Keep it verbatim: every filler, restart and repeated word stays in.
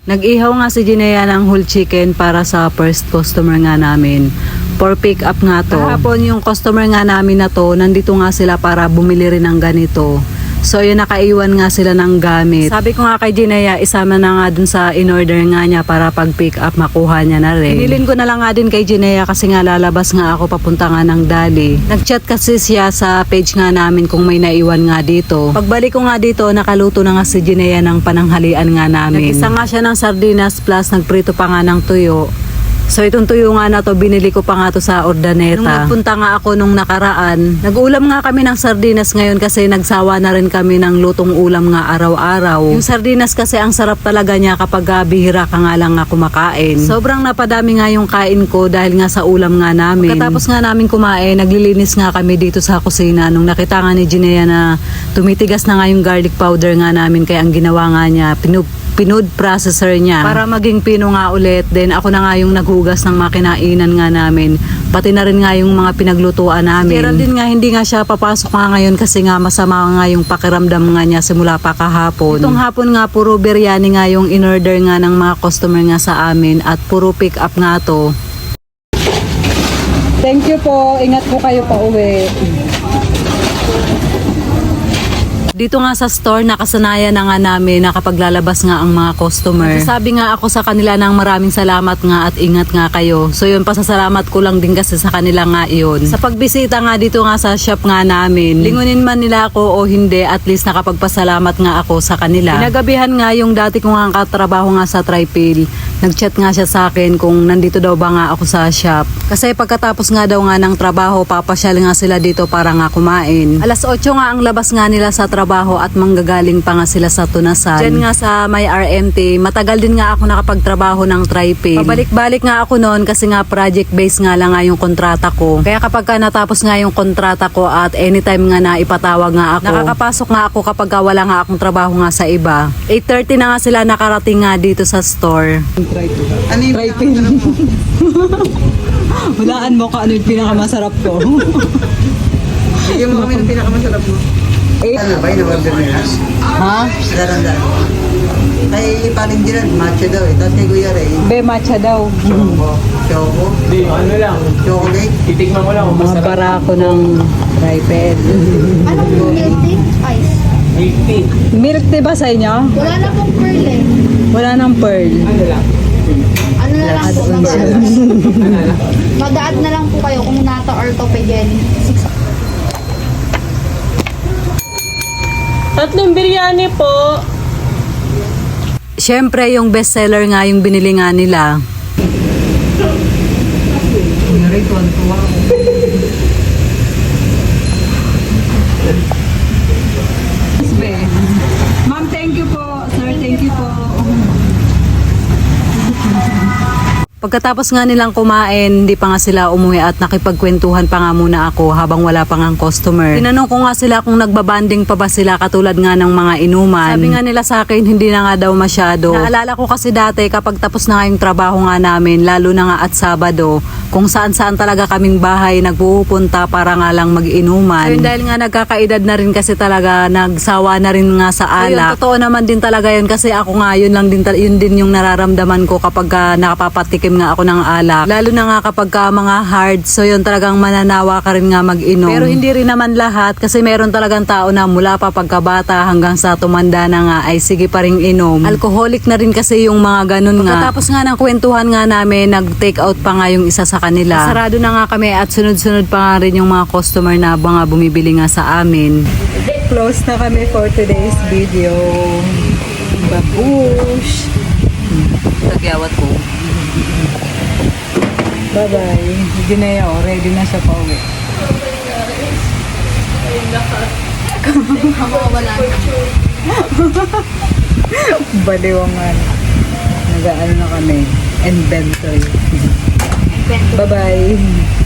Nag-ihaw nga si Jinea ng whole chicken para sa first customer nga namin. For pick up nga to. Kahapon yung customer nga namin na to, nandito nga sila para bumili rin ng ganito. So yun, nakaiwan nga sila ng gamit. Sabi ko nga kay Jinea, isama na nga dun sa in-order nga niya para pag pick up makuha niya na rin. Hinilin ko na lang nga din kay Jinea kasi nga lalabas nga ako papunta nga ng Dali. Nag-chat kasi siya sa page nga namin kung may naiwan nga dito. Pagbalik ko nga dito, nakaluto na nga si Jinea ng pananghalian nga namin. Nag-isa nga siya ng sardinas plus nagprito pa nga ng tuyo. So itong tuyo nga na to, binili ko pa nga to sa Ordaneta. Nung nagpunta nga ako nung nakaraan, nag-ulam nga kami ng sardinas ngayon kasi nagsawa na rin kami ng lutong ulam nga araw-araw. Yung sardinas kasi ang sarap talaga niya kapag uh, bihira ka nga lang nga kumakain. Sobrang napadami nga yung kain ko dahil nga sa ulam nga namin. Pagkatapos nga namin kumain, naglilinis nga kami dito sa kusina nung nakita nga ni Jinea na tumitigas na nga yung garlic powder nga namin, kaya ang ginawa nga niya, pinub pinood processor niya para maging pino nga ulit. Then ako na nga yung naghugas ng makinainan nga namin, pati na rin nga yung mga pinaglutuan namin. Geraldine nga hindi nga siya papasok nga ngayon kasi nga masama nga yung pakiramdam nga niya simula pa kahapon. Itong hapon nga puro biryani nga yung in-order nga ng mga customer nga sa amin at puro pick up nga to. Thank you po, ingat po kayo pa uwi. Dito nga sa store, nakasanayan na nga namin na kapag lalabas nga ang mga customer. Sabi nga ako sa kanila ng maraming salamat nga at ingat nga kayo. So yun, pasasalamat ko lang din kasi sa kanila nga yun. Sa pagbisita nga dito nga sa shop nga namin, lingunin man nila ako o hindi, at least nakapagpasalamat nga ako sa kanila. Pinagabihan nga yung dati ko nga katrabaho nga sa Tripil. Nag-chat nga siya sa akin kung nandito daw ba nga ako sa shop. Kasi pagkatapos nga daw nga ng trabaho, papasyal nga sila dito para nga kumain. Alas otso nga ang labas nga nila sa trabaho at manggagaling pa nga sila sa Tunasan. Diyan nga sa may R M T, matagal din nga ako nakapagtrabaho ng Tripil. Pabalik-balik nga ako noon kasi nga project-based nga lang nga yung kontrata ko. Kaya kapag ka natapos nga yung kontrata ko at anytime nga na ipatawag nga ako, nakakapasok nga ako kapag ka wala nga akong trabaho nga sa iba. eight thirty na nga sila nakarating nga dito sa store. Ano yung Tripil. Hulaan mo ka ano yung pinakamasarap ko. Bigyan mo kami ng pinakamasarap mo. Eh, Ano ba yung order nila? ha? Daran-daran. Kay Paling Dilan, matcha daw eh. Tapos kay Kuya Ray, Be, matcha daw. choco. Choco. Hindi, ano lang. Chocolate. Titikman ko lang kung Mga masarap. barako ng Tripil. Anong milk tea? Ice. Milk tea. Milk tea ba sa inyo? Wala na pong pearl eh. Wala ng pearl. Ano lang? Ano na lang po, Ano lang? mag-a-add na lang po kayo kung nata orthopedic. Six. Tatlong biryani po. Siyempre, yung bestseller nga yung binili nga nila. Kuya Ray, tuwan-tuwa ako. Ma'am, thank you po. Sir, thank you po. Pagkatapos nga nilang kumain, hindi pa nga sila umuwi at nakipagkwentuhan pa nga muna ako habang wala pa nga customer. Tinanong ko nga sila kung nagbabanding pa ba sila katulad nga ng mga inuman. Sabi nga nila sa akin, hindi na nga daw masyado. Naalala ko kasi dati kapag tapos na nga yung trabaho nga namin, lalo na nga at Sabado, kung saan-saan talaga kaming bahay nagpupunta para nga lang mag-inuman. Ayun, dahil nga nagkakaedad na rin kasi talaga, nagsawa na rin nga sa alak. Ayun, totoo naman din talaga yun kasi ako nga yun lang din, yun din yung nararamdaman ko kapag uh, nakapapatikim nga ako ng alak. Lalo na nga kapag ka mga hard, so yun talagang mananawa ka rin nga mag-inom. Pero hindi rin naman lahat kasi meron talagang tao na mula pa pagkabata hanggang sa tumanda na nga ay sige pa ring inom. Alcoholic na rin kasi yung mga ganun nga. Pagkatapos nga ng kwentuhan nga namin, nag-take out pa nga yung isa sa kanila. Sarado na nga kami at sunod-sunod pa nga rin yung mga customer na mga bumibili nga sa amin. Close na kami for today's video. Babush! Tagyawat ko. Bye-bye. Hindi na yun. Ready na siya pa uwi. Ako wala na. Baliwangan. Nag-ano na kami. Inventory. Bye-bye.